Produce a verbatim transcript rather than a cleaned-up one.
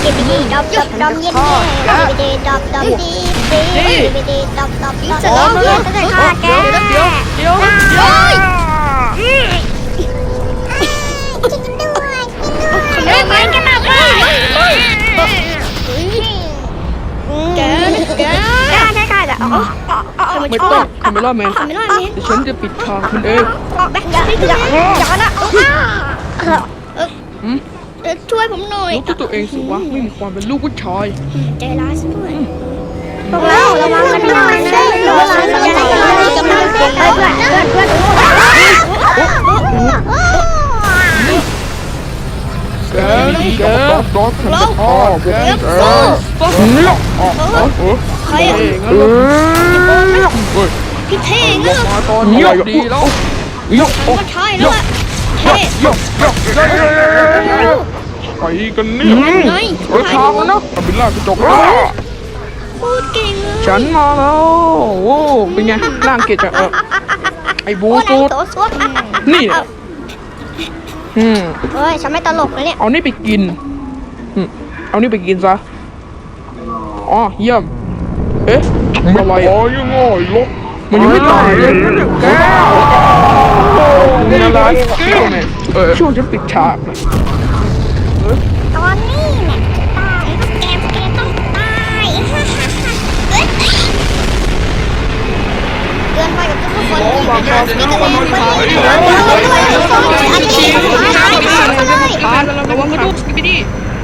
ดิบิดีดอบดอบดอบเย็นเย่ดิบิดีดอบดอบดีดีดิบิดีดอบดอบดอบเย็นจะได้ฆ่าแกเดี๋ยวเดี๋ยวเดี๋ยวกินด้วยกินด้วยไม่กันมาไปแกแกแกแกแกจะอ๋อทำไมไม่ชอต้อบ งคาเมล่าแมนทำไม่ได้เนี่ยเดี๋ยวฉันจะปิดทางคุณเองแบงค์อย่าอย่าอย่านะเอออืมช่วยผมหน่อยรู้ตัวเองสิวะไม่มีความเป็นลูกผู้ชายใจร้ายซะด้วยพวกเราระวังกันหน่อยสิระวังกันหน่อยกำลังเพื่อนเพื่อนเพื่อนเพื่อนแกแกดอกฉันจะฆ่าพวกแกเนี่ยใครอ่ะเองเหรอพี่เท่งลอ่ะงมาตอนนี้ดีแล้วยกก็ใช่แล้วอ่ะเท่ยกยกไปกันเนี่ยไงเฮ้ยทางแล้วนะบิลล่ากระจกแล้วพูดเก่งเลยฉันมาแล้วโอ้เป็นไงร่างเกจจะเออไอ้บูโอ้ยตูดโตสุดนี่เนี่ยอืมเฮ้ยฉันไม่ตลกเลยเนี่ยเอานี่ไปกินอืมเอานี่ไปกินซะอ๋อเยี่ยมเอ๊ะไม่อะไรพออ่ะยังไงลกมันยังไม่ตายเลยแกนี่อะไรแก้วเนี่ยเออช่วงฉันปิดฉากนะตอนนี้เนี่ยตายแกแกต้องตายเกินไปกับทุกคนนี่นะนี่ก็เลยไม่ได้ด้วยอันนี้ท้ายท้ายเลยทานระวังกระดูกสกิปปี้